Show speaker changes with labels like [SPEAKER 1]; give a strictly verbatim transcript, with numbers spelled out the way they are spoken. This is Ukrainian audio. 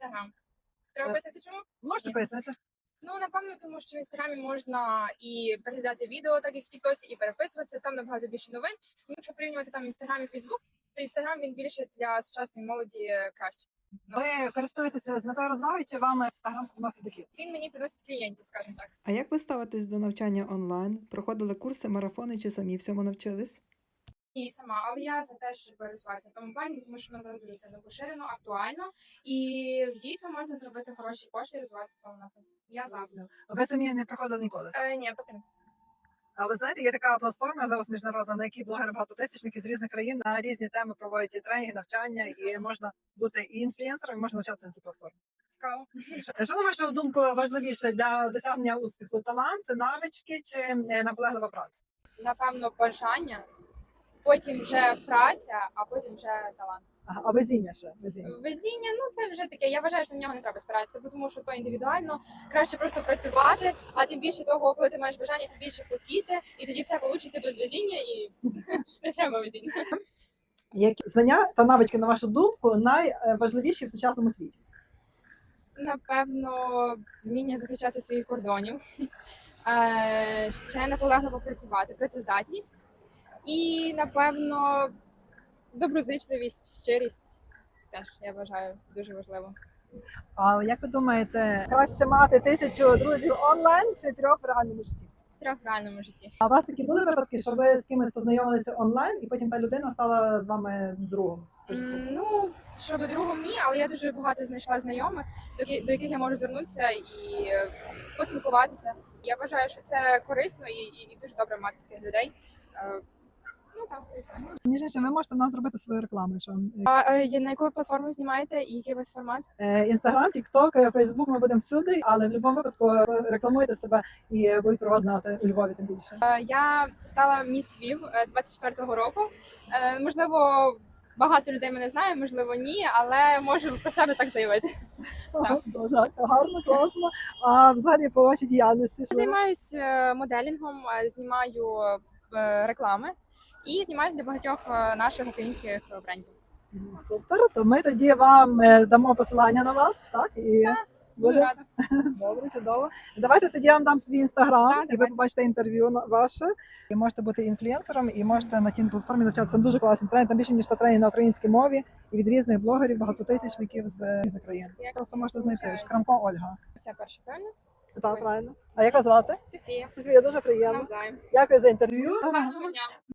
[SPEAKER 1] Інстаграм. Треба
[SPEAKER 2] Е,
[SPEAKER 1] пояснити чому?
[SPEAKER 2] Можете
[SPEAKER 1] Чи ні?
[SPEAKER 2] пояснити?
[SPEAKER 1] Ну, напевно, тому що в інстаграмі можна і переглядати відео, так як в Тіктоці, і переписуватися. Там набагато більше новин. Ну, якщо порівнювати там інстаграм і Фейсбук, то інстаграм він більше для сучасної молоді краще.
[SPEAKER 2] Ви користуєтеся з метою розваги, чи вам інстаграм приносить дохід?
[SPEAKER 1] Він мені приносить клієнтів, скажімо так.
[SPEAKER 3] А як ви ставитесь до навчання онлайн? Проходили курси, марафони чи самі всьому навчились?
[SPEAKER 1] І сама, але я за те, щоб розвиватися в тому плані, тому що воно зараз дуже сильно поширено, актуально, і дійсно можна зробити хороші кошти і розвиватися в тому напрямку. Я за.
[SPEAKER 2] Ви самі не проходили ніколи.
[SPEAKER 1] Е, ні, поки не.
[SPEAKER 2] А ви знаєте, є така платформа зараз міжнародна, на якій блогери багатотисячники з різних країн на різні теми проводять і тренінги, навчання, і можна бути і інфлюенсером, і можна навчатися на цій платформі.
[SPEAKER 1] Цікаво.
[SPEAKER 2] Що, на вашу думку, важливіше для досягнення успіху? Талант, навички чи е, наполеглива праця?
[SPEAKER 1] Напевно, бажання, потім вже праця, а потім вже талант.
[SPEAKER 2] Ага, а везіння ще? Везіння.
[SPEAKER 1] Везіння, ну це вже таке. Я вважаю, що на нього не треба спиратися, бо тому що то індивідуально. Краще просто працювати, а тим більше того, коли ти маєш бажання, тим більше хотіти, і тоді все вийде без везіння, і не треба везіння.
[SPEAKER 2] Які знання та навички, на вашу думку, найважливіші в сучасному світі?
[SPEAKER 1] Напевно, вміння захищати своїх кордонів, е, ще наполегливо працювати, працездатність і, напевно, доброзичливість, щирість теж, я вважаю, дуже важливо.
[SPEAKER 2] А як ви думаєте, краще мати тисячу друзів онлайн чи трьох в реальному житті?
[SPEAKER 1] Трьох в реальному житті.
[SPEAKER 2] А у вас такі були випадки, що ви з кимось познайомилися онлайн, і потім та людина стала з вами другом? по життю?
[SPEAKER 1] М, Ну, щодо другого ні, але я дуже багато знайшла знайомих, до ки- до яких я можу звернутися і е, поспілкуватися. Я вважаю, що це корисно і, і, і дуже добре мати таких людей. Е, Ну так, і все.
[SPEAKER 2] Між іншим, ви можете в нас зробити свою рекламу. Що
[SPEAKER 1] А е, на яку ви платформу знімаєте і який у вас формат?
[SPEAKER 2] Інстаграм, Тікток, Фейсбук, ми будемо всюди, але в будь-якому випадку ви рекламуєте себе і будуть про вас знати у Львові тим більше.
[SPEAKER 1] Е, Я стала міс Львів е, двадцять четвертого року. Е, Можливо, багато людей мене знає, можливо, ні, але можу про себе так заявити.
[SPEAKER 2] Ага, дуже гарно, класно. А взагалі по вашій діяльності що?
[SPEAKER 1] Займаюся моделінгом, е, знімаю е, реклами і знімаюся для багатьох е, наших українських брендів.
[SPEAKER 2] Мгм, супер. То ми тоді вам е, дамо посилання на вас, так? І
[SPEAKER 1] Буду
[SPEAKER 2] буде
[SPEAKER 1] рада.
[SPEAKER 2] добре, чудово. Давайте тоді я вам дам свій інстаграм,
[SPEAKER 1] Так,
[SPEAKER 2] і ви
[SPEAKER 1] давайте.
[SPEAKER 2] побачите інтерв'ю на- ваше. І можете бути інфлюенсером, і можете на тій платформі навчатися. Там дуже класний тренінг, там більше ніж сто тренінг на українській мові і від різних блогерів, багатотисячників з різних країн.
[SPEAKER 1] Як
[SPEAKER 2] Просто можете знайти
[SPEAKER 1] виходить?
[SPEAKER 2] Шкрамко Ольга.
[SPEAKER 1] Це перше, правильно?
[SPEAKER 2] Так, правильно. А як вас звати?
[SPEAKER 1] Софія.
[SPEAKER 2] Софія, дуже приємно.
[SPEAKER 1] Навзаєм.
[SPEAKER 2] Дякую за інтерв'ю.
[SPEAKER 1] Гарного дня.